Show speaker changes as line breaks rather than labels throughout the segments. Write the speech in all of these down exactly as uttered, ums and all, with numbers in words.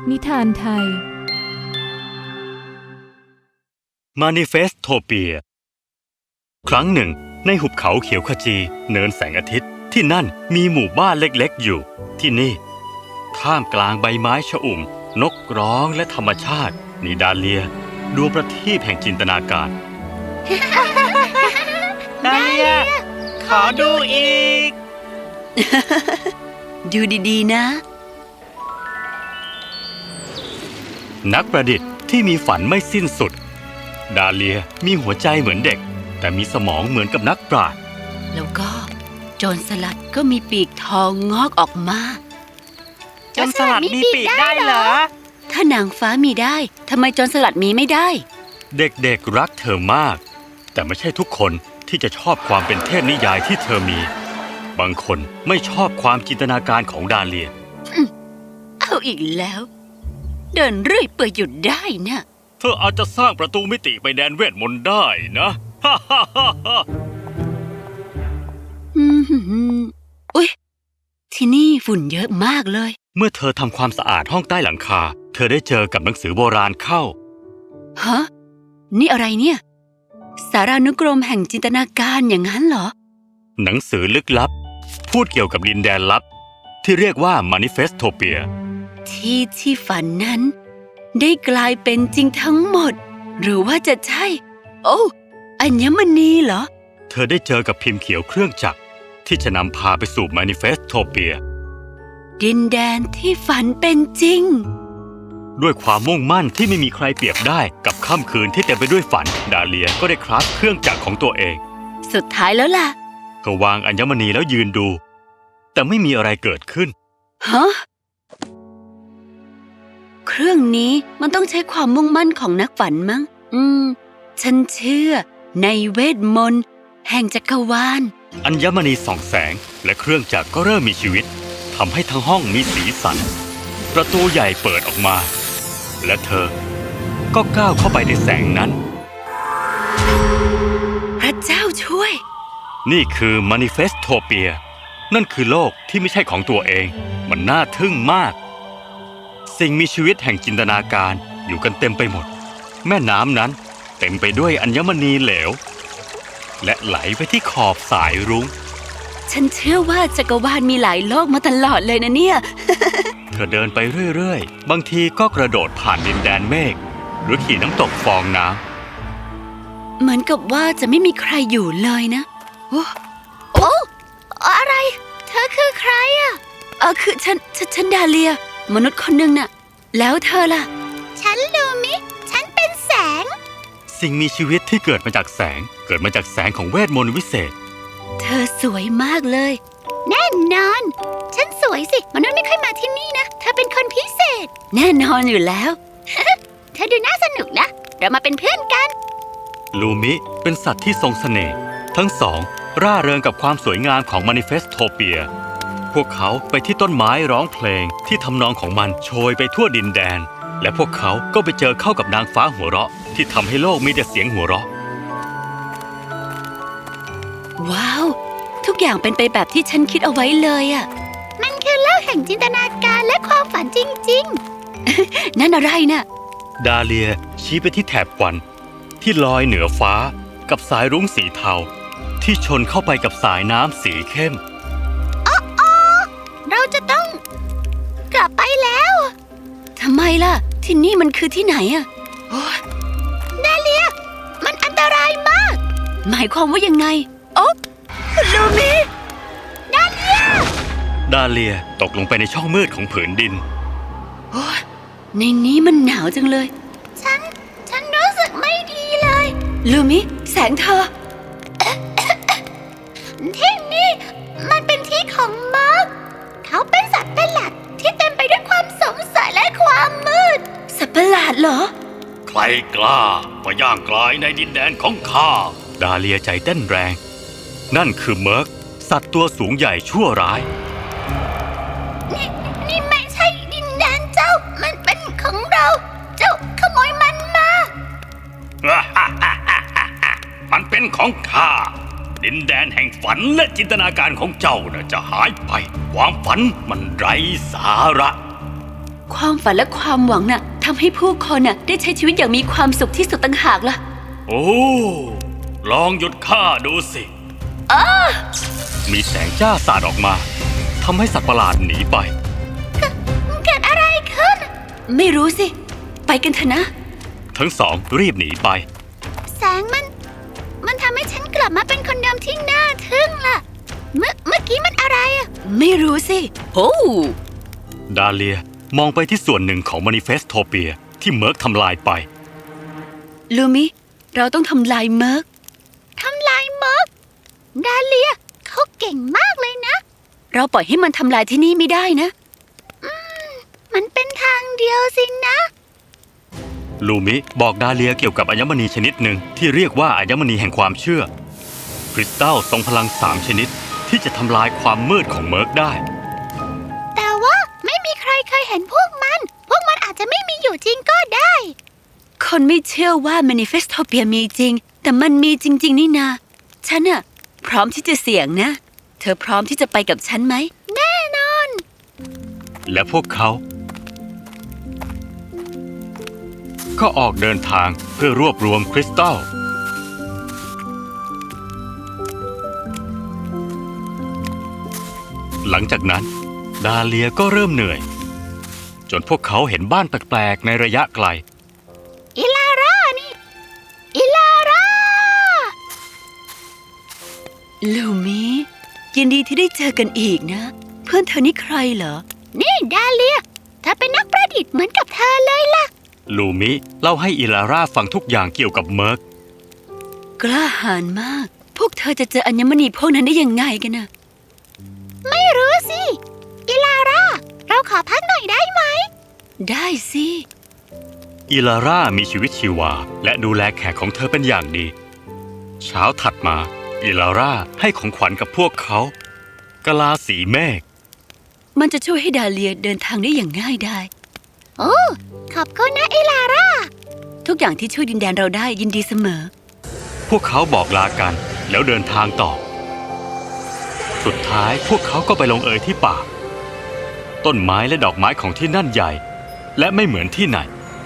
นิทานไทย
Manifestopia ครั้งหนึ่งในหุบเขาเขียวขจีเนินแสงอาทิตย์ที่นั่นมีหมู่บ้านเล็กๆอยู่ที่นี่ท่ามกลางใบไม้ชอุ่มนกร้องและธรรมชาตินิดาเลียดวงประทีปแห่งจินตนาการ
ดาเลียขอดูอีก
ดูดีๆนะ
นักประดิษฐ์ที่มีฝันไม่สิ้นสุดดาเลียมีหัวใจเหมือนเด็กแต่มีสมองเหมือนกับนักปราชญ์
แล้วก็โจรสลัดก็มีปีกทองงอกออกมา
โจรสลัดมีปีกได้เหรอ
ถ้านางฟ้ามีได้ทำไมโจรสลัดมีไม่ได้
เด็กๆรักเธอมากแต่ไม่ใช่ทุกคนที่จะชอบความเป็นเทพนิยายที่เธอมีบางคนไม่ชอบความจินตนาการของดาเลีย
เอาอีกแล้วเดินเรื่อยเปื่อยหยุดได้นะ
เธออาจจะสร้างประตูมิติไปแดนเวทมนต์ได้นะฮ่าฮ่าฮ่าฮ่า
อุ๊ยที่นี่ฝุ่นเยอะมากเลย
เมื่อเธอทำความสะอาดห้องใต้หลังคาเธอได้เจอกับหนังสือโบราณเข้า
ฮะนี่อะไรเนี่ยสารานุกรมแห่งจินตนาการอย่างนั้นเหรอ
หนังสือลึกลับพูดเกี่ยวกับดินแดนลับที่เรียกว่า Manifestopia
ที่ที่ฝันนั้นได้กลายเป็นจริงทั้งหมดหรือว่าจะใช่โอ้อัญมณีเหรอ
เธอได้เจอกับพิมพ์เขียวเครื่องจักรที่จะนำพาไปสู่ Manifestopia
ดินแดนที่ฝันเป็นจริง
ด้วยความมุ่งมั่นที่ไม่มีใครเปรียบได้กับค่ำคืนที่เต็มไปด้วยฝันดาเลียก็ได้คราฟเครื่องจักรของตัวเอง
สุดท้ายแล้วล่ะ
เธอวางอัญมณีแล้วยืนดูแต่ไม่มีอะไรเกิดขึ้น
ฮะเครื่องนี้มันต้องใช้ความมุ่งมั่นของนักฝันมั้งอืมฉันเชื่อในเวทมนต์แห่งจักรวาล
อัญมณีส่องแสงและเครื่องจักรก็เริ่มมีชีวิตทำให้ทั้งห้องมีสีสันประตูใหญ่เปิดออกมาและเธอก็ก้าวเข้าไปในแสงนั้น
พระเจ้าช่วย
นี่คือ Manifestopia นั่นคือโลกที่ไม่ใช่ของตัวเองมันน่าทึ่งมากสิ่งมีชีวิตแห่งจินตนาการอยู่กันเต็มไปหมดแม่น้ำนั้นเต็มไปด้วยอัญมณีเหลวและไหลไปที่ขอบสายรุ้ง
ฉันเชื่อว่าจักรวาลมีหลายโลกมาตลอดเลยนะเนี่ย
เธอเดินไปเรื่อยๆบางทีก็กระโดดผ่านดินแดนเมฆหรือขี่น้ำตกฟองน้
ำเหมือนกับว่าจะไม่มีใครอยู่เลยนะโอ้โอ้อะไรเธอคือใครอ่ะเออคือฉันฉันดาเลียมนุษย์คนหนึ่งน่ะแล้วเธอล่ะ
ฉันลูมิฉันเป็นแสง
สิ่งมีชีวิตที่เกิดมาจากแสงเกิดมาจากแสงของเวทมนต์วิเศษ
เธอสวยมากเลย
แน่นอนฉันสวยสิมนุษย์ไม่ค่อยมาที่นี่นะเธอเป็นคนพิเศษ
แน่นอนอยู่แล้ว
เธอดูน่าสนุกนะเรามาเป็นเพื่อนกัน
ลูมิเป็นสัตว์ที่ทรงเสน่ห์ทั้งสองร่าเริงกับความสวยงามของ Manifestopia พวกเขาไปที่ต้นไม้ร้องเพลงที่ทำนองของมันโชยไปทั่วดินแดนและพวกเขาก็ไปเจอเข้ากับนางฟ้าหัวเราะที่ทำให้โลกมีแต่เสียงหัวเราะ
ว้าวทุกอย่างเป็นไปแบบที่ฉันคิดเอาไว้เลยอ่ะ
มันคือโลกแห่งจินตนาการและความฝันจริง
ๆ นั่นอะไรน่ะ
ดาเลียชี้ไปที่แถบควันที่ลอยเหนือฟ้ากับสายรุ้งสีเทาที่ชนเข้าไปกับสายน้ำสีเข้ม
อ๋อเราจะต้องกลับไปแล้ว
ทำไมล่ะที่นี่มันคือที่ไหนอ่ะ
ดาเลียมันอันตรายมาก
หมายความว่ายังไงโอ๊ะลูมิ
ดาเลีย
ดาเลียตกลงไปในช่องมืดของผืนดิน
โอ้ในนี้มันหนาวจังเลย
ฉันฉันรู้สึกไม่ดีเลย
ลูมิแสงเธอ
ที่นี่มันเป็นที่ของมาร์คเขาเป็นสัตว์ประหลาดที่เต็มไปด้วยความสงสัยและความมืด
สัตว์ประหลาดเหรอ
ใครกล้ามาย่างกลายในดินแดนของข้าดาเลียใจเต้นแรงนั่นคือเมิร์กสัตว์ตัวสูงใหญ่ชั่วร้าย
นี่นี่ไม่ใช่ดินแดนเจ้ามันเป็นของเราเจ้าขโมยมันมา
มันเป็นของข้าดินแดนแห่งฝันและจินตนาการของเจ้าน่ะจะหายไปความฝันมันไร้สาระ
ความฝันและความหวังน่ะทำให้ผู้คนน่ะได้ใช้ชีวิตอย่างมีความสุขที่สุดต่างหากล่ะ
โอ้ ลองหยุดข้าดูสิมีแสงจ้าสาดออกมาทำให้สัตว์ประหลาดหนีไป
เกิดอะไรขึ้น
ไม่รู้สิ ไปกันเถอะนะ
ทั้งสองรีบหนีไป
แสงมัน มันทำให้ฉันกลับมาเป็นคนเดิมที่น่าทึ่งล่ะ เมื่อเมื่อกี้มันอะไรอะ
ไม่รู้สิโอ้
ดาเลียมองไปที่ส่วนหนึ่งของมานิเฟสโทเปียที่เมิร์กทำลายไป
ลูมิ เราต้องทำลายเมิร์ก
ทำลายเมิร์กดาเลียเขาเก่งมากเลยนะ
เราปล่อยให้มันทำลายที่นี่ไม่ได้นะ
มันเป็นทางเดียวสินะ
ลูมิบอกดาเลียเกี่ยวกับอัญมณีชนิดหนึ่งที่เรียกว่าอัญมณีแห่งความเชื่อ คริสตัลทรงพลังสามชนิดที่จะทำลายความมืดของเมิร์กได้
แต่ว่าไม่มีใครเคยเห็นพวกมัน พวกมันอาจจะไม่มีอยู่จริงก็ได้
คนไม่เชื่อว่า Manifestopia มีจริง แต่มันมีจริง ๆ นี่นา ฉันน่ะพร้อมที่จะเสี่ยงนะ เธอพร้อมที่จะไปกับฉันไหม
แน่นอน
และพวกเขา ก็ออกเดินทางเพื่อรวบรวมคริสตัล หลังจากนั้นดาเลียก็เริ่มเหนื่อย จนพวกเขาเห็นบ้านแปลกๆในระยะไกล
อิลาร่านี่ อิลาร่า
ลูมิ ยินดีที่ได้เจอกันอีกนะ เพื่อนเธอนี่ใครเหรอ
นี่ดาเลียเธอเป็นนักประดิษฐ์เหมือนกับเธอเลยล่ะ
ลูมิเล่าให้อิลาร่าฟังทุกอย่างเกี่ยวกับเมิร์ก
กล้าหาญมาก พวกเธอจะเจออัญมณีพวกนั้นได้ยังไงกันนะ
ไม่รู้สิ อิลาร่า เราขอพักหน่อยได้ไหม
ได้สิ
อิลาร่ามีชีวิตชีวาและดูแลแขกของเธอเป็นอย่างดี เช้าถัดมาอิลาร่าให้ของขวัญกับพวกเขากะลาสีเมฆ
มันจะช่วยให้ดาเลียเดินทางได้อย่างง่ายได้
โอ้ ขอบคุณนะอิลาร่า
ทุกอย่างที่ช่วยดินแดนเราได้ยินดีเสมอ
พวกเขาบอกลากันแล้วเดินทางต่อ สุดท้ายพวกเขาก็ไปลงเอยที่ป่า ต้นไม้และดอกไม้ของที่นั่นใหญ่ และไม่เหมือนที่ไหน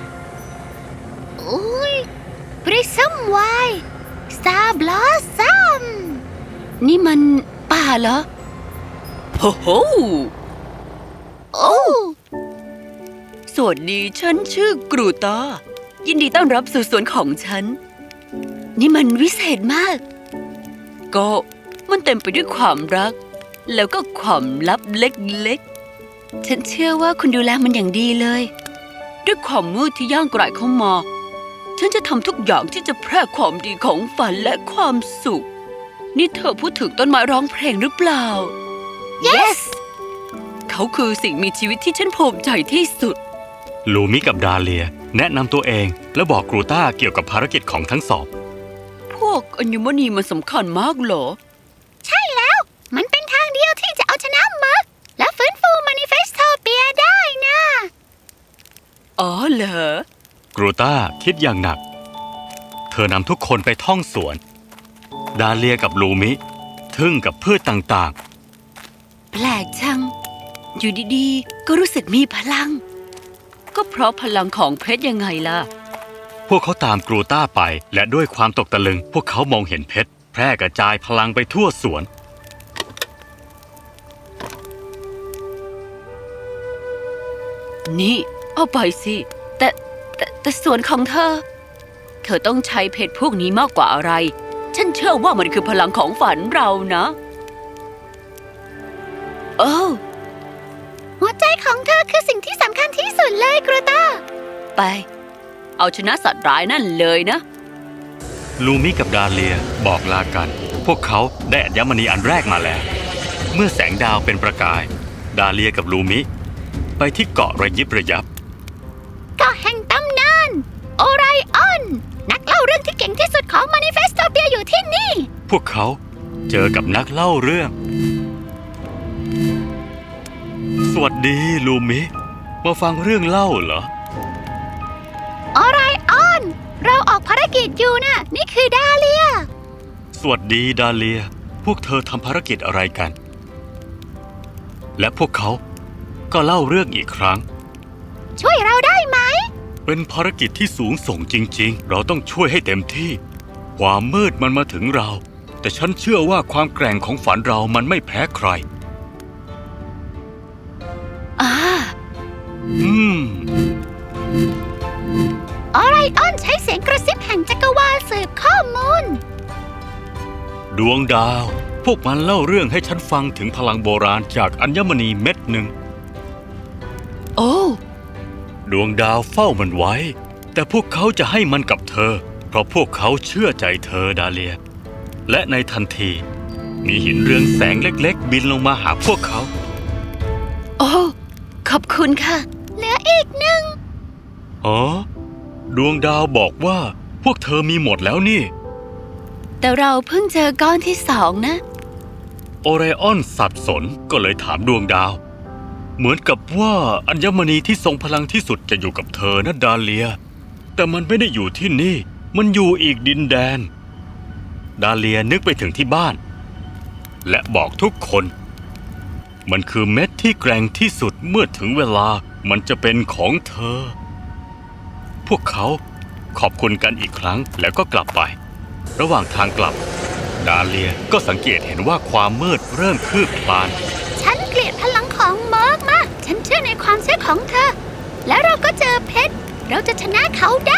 อุ้ยบริซัมไวสตาร์บลอสซัม
นี่มันป่าเหรอโอ้โห
โอ้
สวัสดีฉันชื่อกรูตา ยินดีต้อนรับสู่สวนของฉัน นี่มันวิเศษมาก ก็มันเต็มไปด้วยความรัก แล้วก็ความลับเล็กๆ ฉันเชื่อว่าคุณดูแลมันอย่างดีเลย ด้วยความมืดที่ย่างกรายเข้ามา ฉันจะทำทุกอย่างที่จะแพร่ความดีของฝันและความสุข นี่เธอพูดถึงต้นไม้ร้องเพลงหรือเปล่า
yes
เขาคือสิ่งมีชีวิตที่ฉันภูมิใจที่สุด
ลูมิกับดาเลียแนะนำตัวเองและบอกกรูต้าเกี่ยวกับภารกิจของทั้งสอง
พวกอัญมณีมันสำคัญมากเหรอ
ใช่แล้ว มันเป็นทางเดียวที่จะเอาชนะเมิร์กและฟื้นฟูมานิเฟสโทเปียได้นะ
อ๋อเหรอ
กรูต้าคิดอย่างหนัก เธอนำทุกคนไปท่องสวน ดาเลียกับลูมิทึ่งกับพืชต่าง
แปลกจัง อยู่ดีๆ ก็รู้สึกมีพลัง ก็เพราะพลังของเพชรยังไงล่ะ
ๆ พวกเขาตามกรูต้าไปและด้วยความตกตะลึง พวกเขามองเห็นเพชรแพร่กระจายพลังไปทั่วสวน
นี่ เอาไปสิ แต่แต่แต่ส่วนของเธอ เธอต้องใช้เพชรพวกนี้มากกว่าอะไร ฉันเชื่อว่ามันคือพลังของฝันเรานะโอ้
หัวใจของเธอคือสิ่งที่สำคัญที่สุดเลยกรูตา
ไป เอาชนะสัตว์ร้ายนั่นเลยนะ
ลูมิกับดาเลียบอกลากัน พวกเขาได้อัญมณีอันแรกมาแล้ว เมื่อแสงดาวเป็นประกาย ดาเลียกับลูมิไปที่เกาะระยิบระยับ
ก็แห่งตำนาน โอไรออน นักเล่าเรื่องที่เก่งที่สุดของมานิเฟสโทเปียอยู่ที่นี่
พวกเขาเจอกับนักเล่าเรื่อง สวัสดีลูมิ มาฟังเรื่องเล่าเหรอ
โอไรออน เราออกภารกิจอยู่นะนี่คือดาเลีย
สวัสดีดาเลีย พวกเธอทำภารกิจอะไรกัน และพวกเขาก็เล่าเรื่องอีกครั้ง
ช่วยเราได้ไหม
เป็นภารกิจที่สูงส่งจริงๆ เราต้องช่วยให้เต็มที่ ความมืดมันมาถึงเรา แต่ฉันเชื่อว่าความแกร่งของฝันเรามันไม่แพ้ใคร
อ่า
อืม
ออไรออนใช้เสียงกระซิบแห่งจักรวาลสืบข้อมูล
ดวงดาว พวกมันเล่าเรื่องให้ฉันฟังถึงพลังโบราณจากอัญมณีเม็ดหนึ่ง
โอ้
ดวงดาวเฝ้ามันไว้ แต่พวกเขาจะให้มันกับเธอ เพราะพวกเขาเชื่อใจเธอดาเลีย และในทันที มีหินเรืองแสงเล็กๆ บินลงมาหาพวกเขา
โอ้ ขอบคุณค่ะ
เหลืออีกหนึ่ง
อ๋อ ดวงดาวบอกว่าพวกเธอมีหมดแล้วนี่
แต่เราเพิ่งเจอก้อนที่สองนะ
โอไรออนสับสนก็เลยถามดวงดาว เหมือนกับว่าอัญมณีที่ทรงพลังที่สุดจะอยู่กับเธอนะดาเลีย แต่มันไม่ได้อยู่ที่นี่ มันอยู่อีกดินแดน ดาเลียนึกไปถึงที่บ้าน และบอกทุกคน มันคือเม็ดที่แกร่งที่สุดเมื่อถึงเวลามันจะเป็นของเธอ พวกเขาขอบคุณกันอีกครั้งแล้วก็กลับไป ระหว่างทางกลับ ดาเลียก็สังเกตเห็นว่าความมืดเริ่มคืบคลาน
ฉันเกลียดพลังของเมิร์กมาก ฉันเชื่อในความเชื่อของเธอ แล้วเราก็เจอเพชร เราจะชนะเขาได้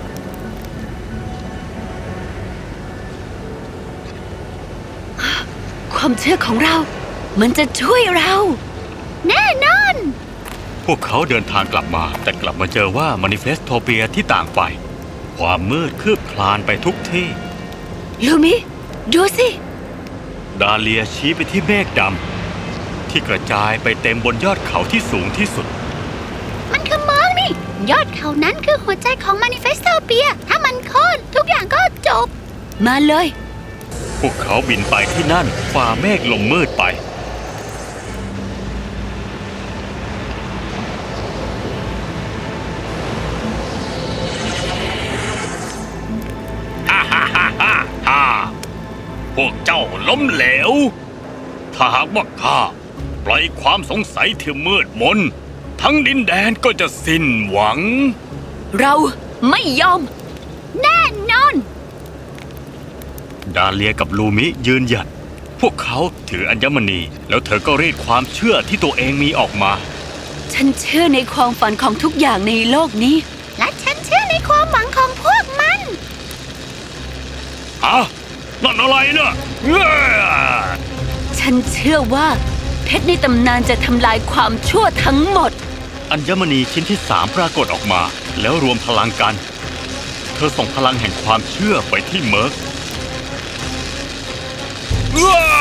ความเชื่อของเรา มันจะช่วยเรา
แน่นอน
พวกเขาเดินทางกลับมาแต่กลับมาเจอว่ามานิเฟสโทเปียที่ต่างไป ความมืดคืบคลานไปทุกที่
ลูมิ ดูสิ
ดาเลียชี้ไปที่เมฆดำที่กระจายไปเต็มบนยอดเขาที่สูงที่สุด
มันคือเมิร์กนี่ ยอดเขานั้นคือหัวใจของมานิเฟสโตเปีย ถ้ามันโค่นทุกอย่างก็จบ
มาเลย
พวกเขาบินไปที่นั่นฝ่าเมฆลงมืดไป ฮ่าฮ่าฮ่าฮ่าฮ่าพวกเจ้าล้มเหลว ถ้าหากว่าข้าปล่อยความสงสัยที่มืดมน ทั้งดินแดนก็จะสิ้นหวัง
เราไม่ยอม
แน่นอน
ดาเลียกับลูมิยืนหยัด พวกเขาถืออัญมณี แล้วเธอก็รีดความเชื่อที่ตัวเองมีออกมา
ฉันเชื่อในความฝันของทุกอย่างในโลกนี้
และฉันเชื่อในความหวังของพวกมัน
ฮะนั่นอะไรนะเอ้อ
ฉันเชื่อว่า เพชรในตำนานจะทำลายความชั่วทั้งหมด
อัญมณีชิ้นที่สามปรากฏออกมา แล้วรวมพลังกัน เธอส่งพลังแห่งความเชื่อไปที่เมิร์กอ้า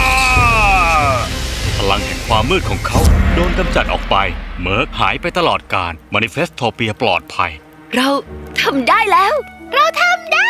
พลังแห่งความมืดของเขาโดนกำจัดออกไป เมิร์กหายไปตลอดกาลมานิเฟสโทเปียปลอดภัย
เราทำได้แล้ว
เราทำได้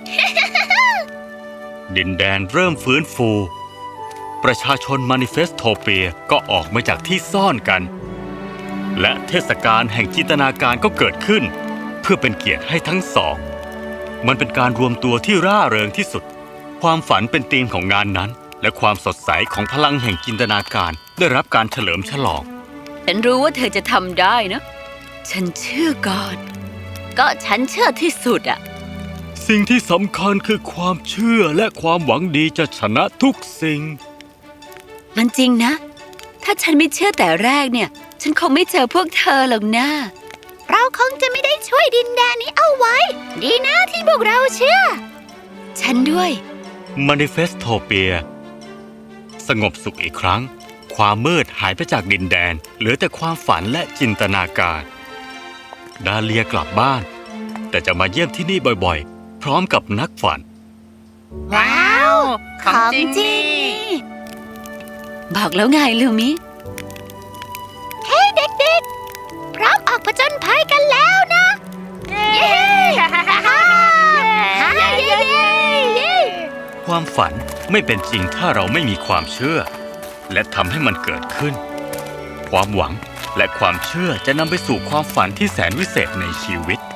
ดินแดนเริ่มฟื้นฟู ประชาชนมานิเฟสโทเปียก็ออกมาจากที่ซ่อนกัน และเทศกาลแห่งจินตนาการก็เกิดขึ้น เพื่อเป็นเกียรติให้ทั้งสอง มันเป็นการรวมตัวที่ร่าเริงที่สุด ความฝันเป็นธีมของงานนั้น และความสดใสของพลังแห่งจินตนาการได้รับการเฉลิมฉลอง
ฉันรู้ว่าเธอจะทำได้นะ ฉันเชื่อก่อน ก็ฉันเชื่อที่สุดอะ
สิ่งที่สำคัญคือความเชื่อและความหวังดีจะชนะทุกสิ่ง
มันจริงนะ ถ้าฉันไม่เชื่อแต่แรกเนี่ย ฉันคงไม่เจอพวกเธอหรอกนะ
เราคงจะไม่ได้ช่วยดินแดนนี้เอาไว้ ดีนะที่พวกเราเชื่อ
ฉันด้วย
มานิเฟสโทเปียสงบสุขอีกครั้ง ความมืดหายไปจากดินแดน เหลือแต่ความฝันและจินตนาการ ดาเลียกลับบ้าน แต่จะมาเยี่ยมที่นี่บ่อยๆ พร้อมกับนักฝัน
ว้าว ของจริง
ของจริง
นี่
บอกแล้วไงลูมิ
เฮ้ยเด็กๆ พร้อมออกผจญภัยกันแล้วนะ
เย้
เย้ฮ่าฮ่าฮ่าเย้เย้เย้
ความฝันไม่เป็นจริงถ้าเราไม่มีความเชื่อ และทำให้มันเกิดขึ้น ความหวังและความเชื่อจะนำไปสู่ความฝันที่แสนวิเศษในชีวิต